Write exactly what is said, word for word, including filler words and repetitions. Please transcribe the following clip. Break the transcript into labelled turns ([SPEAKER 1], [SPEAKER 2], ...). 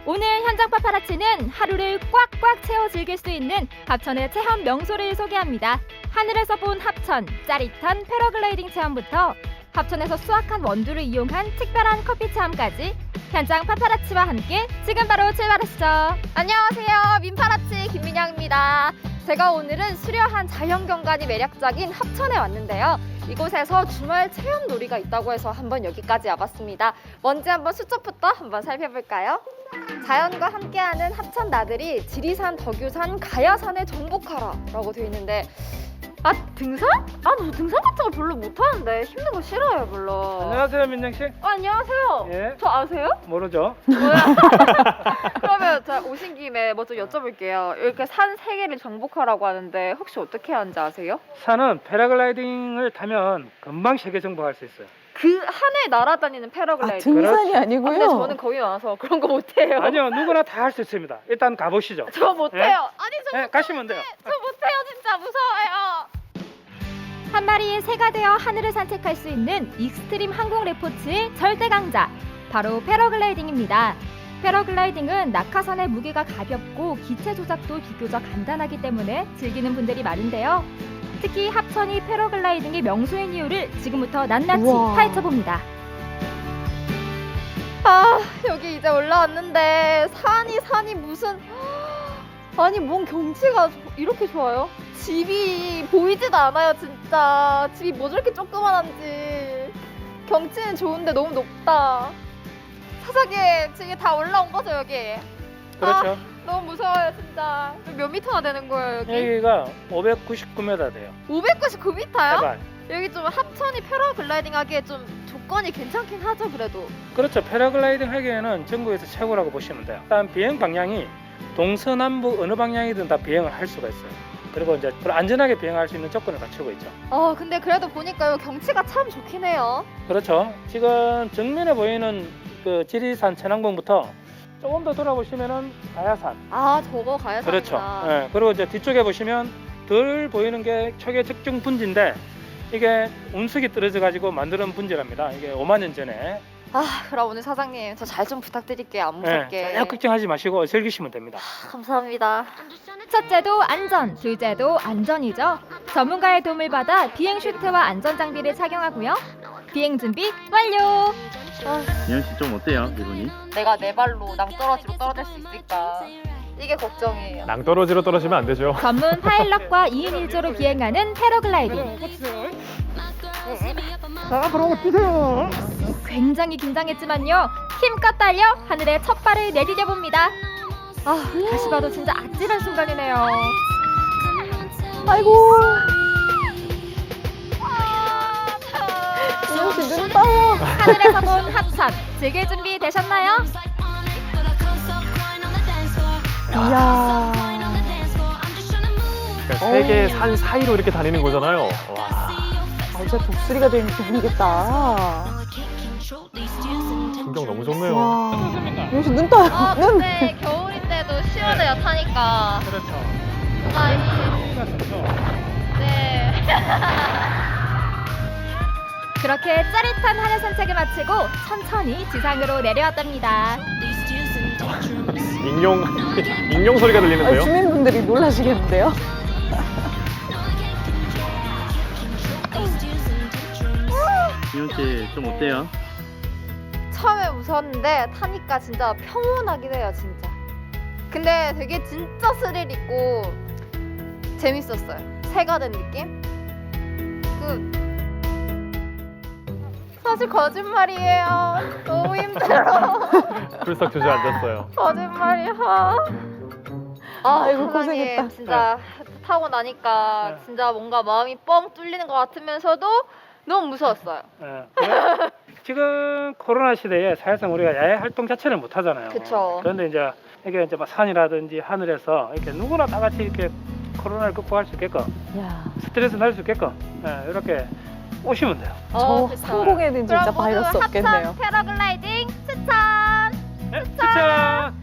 [SPEAKER 1] 오늘 현장 파파라치는 하루를 꽉꽉 채워 즐길 수 있는 합천의 체험 명소를 소개합니다. 하늘에서 본 합천, 짜릿한 패러글라이딩 체험부터 합천에서 수확한 원두를 이용한 특별한 커피 체험까지 현장 파파라치와 함께 지금 바로 출발하시죠. 안녕하세요. 민파라치 김민영입니다. 제가 오늘은 수려한 자연경관이 매력적인 합천에 왔는데요. 이곳에서 주말 체험 놀이가 있다고 해서 한번 여기까지 와봤습니다. 먼저 한번 수첩부터 한번 살펴볼까요? 자연과 함께하는 합천 나들이 지리산, 덕유산, 가야산에 정복하라 라고 되어 있는데 아 등산? 아 저 등산 같은 거 별로 못하는데 힘든 거 싫어요 별로.
[SPEAKER 2] 안녕하세요 민정씨.
[SPEAKER 1] 어, 안녕하세요.
[SPEAKER 2] 예.
[SPEAKER 1] 저 아세요?
[SPEAKER 2] 모르죠.
[SPEAKER 1] 그러면 제가 오신 김에 뭐 좀 여쭤볼게요. 이렇게 산 세 개를 정복하라고 하는데 혹시 어떻게 하는지 아세요?
[SPEAKER 2] 산은 패러글라이딩을 타면 금방 세계 정복할 수 있어요.
[SPEAKER 1] 그 하늘 날아다니는
[SPEAKER 3] 아,
[SPEAKER 1] 패러글라이딩.
[SPEAKER 3] 등산이
[SPEAKER 1] 아,
[SPEAKER 3] 아니고요.
[SPEAKER 1] 근데 저는 거기 와서 그런 거 못해요.
[SPEAKER 2] 아니요, 누구나 다 할 수 있습니다. 일단 가보시죠.
[SPEAKER 1] 저 못해요.
[SPEAKER 2] 예?
[SPEAKER 1] 아니 저
[SPEAKER 2] 네, 가시면 돼요.
[SPEAKER 1] 저 못해요. 진짜 무서워요. 한 마리의 새가 되어 하늘을 산책할 수 있는 익스트림 항공 레포츠의 절대 강자, 바로 패러글라이딩입니다. 패러글라이딩은 낙하산의 무게가 가볍고 기체 조작도 비교적 간단하기 때문에 즐기는 분들이 많은데요. 특히 합천이 패러글라이딩의 명소인 이유를 지금부터 낱낱이
[SPEAKER 3] 우와.
[SPEAKER 1] 파헤쳐봅니다. 아, 여기 이제 올라왔는데 산이 산이 무슨 아니 뭔 경치가 이렇게 좋아요? 집이 보이지도 않아요 진짜. 집이 뭐 저렇게 조그만한지. 경치는 좋은데 너무 높다. 사장님 지금 다 올라온 거죠 여기?
[SPEAKER 2] 그렇죠.
[SPEAKER 1] 아, 너무 무서워요 진짜. 몇 미터나 되는 거예요 여기?
[SPEAKER 2] 여기가 오백구십구 미터 돼요.
[SPEAKER 1] 오백구십구 미터요?
[SPEAKER 2] 해발.
[SPEAKER 1] 여기 좀 합천이 패러글라이딩 하기에 좀 조건이 괜찮긴 하죠 그래도.
[SPEAKER 2] 그렇죠. 패러글라이딩 하기에는 전국에서 최고라고 보시면 돼요. 일단 비행 방향이 동서남북 어느 방향이든 다 비행을 할 수가 있어요. 그리고 이제 안전하게 비행할 수 있는 조건을 갖추고 있죠.
[SPEAKER 1] 어 근데 그래도 보니까요 경치가 참 좋긴 해요.
[SPEAKER 2] 그렇죠. 지금 정면에 보이는 그 지리산 천왕봉부터 조금 더 돌아보시면은 가야산.
[SPEAKER 1] 아 저거 가야
[SPEAKER 2] 그렇죠. 예, 그리고 이제 뒤쪽에 보시면 덜 보이는 게 초계 적중 분지인데 이게 운석이 떨어져 가지고 만드는 분지랍니다. 이게 오만 년 전에.
[SPEAKER 1] 아 그럼 오늘 사장님 저 잘 좀 부탁드릴게요 안 무섭게.
[SPEAKER 2] 예, 전혀 걱정하지 마시고 즐기시면 됩니다.
[SPEAKER 1] 감사합니다. 첫째도 안전, 둘째도 안전이죠. 전문가의 도움을 받아 비행 슈트와 안전 장비를 착용하고요. 비행 준비 완료. 아,
[SPEAKER 4] 민현 씨 좀 어때요, 기분이?
[SPEAKER 1] 내가 내 발로 낭떠러지로 떨어질 수 있을까? 이게 걱정이에요.
[SPEAKER 5] 낭떠러지로 떨어지면 안 되죠.
[SPEAKER 1] 전문 파일럿과 이 인 일 조로 비행하는 패러글라이딩. 굉장히 긴장했지만요. 힘껏 달려 하늘에 첫 발을 내디뎌 봅니다. 아, 다시 봐도 진짜 아찔한 순간이네요.
[SPEAKER 3] 아이고.
[SPEAKER 1] 아,
[SPEAKER 3] 민영 씨 눈 떠요.
[SPEAKER 1] 하늘에서 본 합천 즐길 준비 되셨나요?
[SPEAKER 3] 이야.
[SPEAKER 5] 그러니까 세계 산 사이로 이렇게 다니는 거잖아요. 와.
[SPEAKER 3] 아, 진짜 독수리가 되는 기분이겠다.
[SPEAKER 5] 풍경 너무 좋네요.
[SPEAKER 3] 와. 민영 씨 눈 떠요.
[SPEAKER 1] 아,
[SPEAKER 3] 눈.
[SPEAKER 1] 근데 겨울인데도 시원해요 타니까.
[SPEAKER 2] 그렇죠.
[SPEAKER 1] 아,
[SPEAKER 2] 여기가 좋죠.
[SPEAKER 1] 네. 그렇게 짜릿한 하늘 산책을 마치고 천천히 지상으로 내려왔답니다.
[SPEAKER 5] 익룡 익룡 소리가
[SPEAKER 3] 아,
[SPEAKER 5] 들리는데요.
[SPEAKER 3] 주민분들이 놀라시겠는데요?
[SPEAKER 4] 민현 씨 좀 어때요?
[SPEAKER 1] 처음에 무서웠는데 타니까 진짜 평온하긴 해요 진짜. 근데 되게 진짜 스릴 있고 재밌었어요. 새가 된 느낌? 그 사실 거짓말이에요. 너무 힘들어.
[SPEAKER 5] 불싹 주저앉았어요.
[SPEAKER 1] 거짓말이야. 아,
[SPEAKER 3] 아이고,
[SPEAKER 1] 사장님,
[SPEAKER 3] 고생했다.
[SPEAKER 1] 진짜 타고 나니까
[SPEAKER 2] 네.
[SPEAKER 1] 진짜 뭔가 마음이 뻥 뚫리는 것 같으면서도 너무 무서웠어요.
[SPEAKER 2] 예. 왜? 지금 코로나 시대에 사실상 우리가 야외 활동 자체를 못 하잖아요.
[SPEAKER 1] 그쵸.
[SPEAKER 2] 그런데 이제 이게 이제 막 산이라든지 하늘에서 이렇게 누구나 다 같이 이렇게 코로나를 극복할 수 있게끔
[SPEAKER 3] 야.
[SPEAKER 2] 스트레스 날 수 있게끔 예, 이렇게 오시면 돼요.
[SPEAKER 3] 저
[SPEAKER 1] 어, 그쵸.
[SPEAKER 3] 상공에는 진짜
[SPEAKER 1] 그럼 모두
[SPEAKER 3] 바이러스 없겠네요.
[SPEAKER 1] 합천 패러글라이딩 추천!
[SPEAKER 2] 네, 추천!